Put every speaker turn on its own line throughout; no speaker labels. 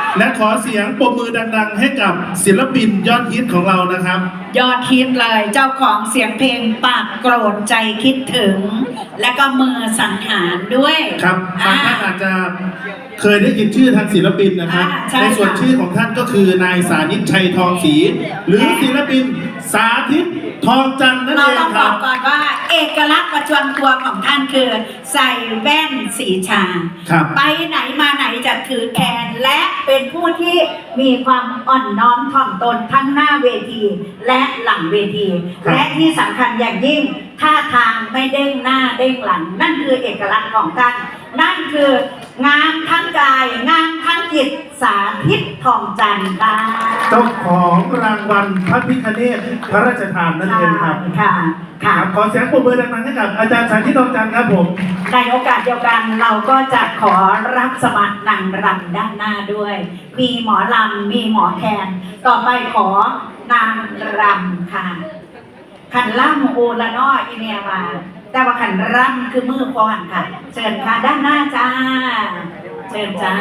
และขอเสียงปรบมือดังๆให้กับศิลปินยอดฮิตของเรานะครับ
ยอดฮิตเลยเจ้าของเสียงเพลงปากโกรธใจคิดถึงและก็มือสังหารด้วย
ครับบางท่านอาจจะเคยได้ยินชื่อทางศิลปินนะครับในส่วนชื่อของท่านก็คือนายสานิตชัยทองศรีหรือศิลปินสาธิตทองจันทร์นั่นเองครับ
เราต้องบอกก่อนว่าเอกลักษณ์ประจำตัวของท่านคือใส่แว่นสีชาไปไหนมาไหนจะถือแขนและเป็นผู้ที่มีความอ่อนน้อมถ่อมตนทั้งหน้าเวทีและหลังเวทีและที่สำคัญอย่างยิ่งท่าทางไม่เด้งหน้าเด้งหลังนั่นคือเอกลักษณ์ของท่านนั่นคืองามทั้งกายงามทั้งจิตสาธิตทองจันทร์ค่ะ
เจ้าของรางวัลพระพิฆเนศพระราชทานนั่นเองครับ
ค่ะ
ขอเสียงปรบมือดังๆให้กับอาจารย์สาธิตทองจันทร์ครับผม
ในโอกาสเดียวกันเราก็จะขอรับสมัครนางรำด้านหน้าด้วยมีหมอลำมีหมอแคนต่อไปขอนางรำค่ะขันล่ำโอละน้ออีเมียมาแต่ว่าขันรำคือมือพรค่ะเชิญค่ะด้านหน้าจ้าเชิญจ้า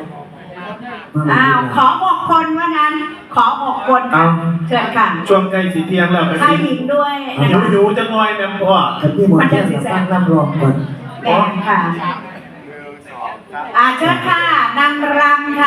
ขอ6 คนว่างั้นขอ6 คนเชิญค่ะ
ช่วงใกล้สีเทียงแล้ว
ชายหญิงด้วย
อยู่จะงอยแม่พ่อ
มันจะสีแสงรับรองก่อน
แม่ค่ะเชิญค่ะนางรำค่ะ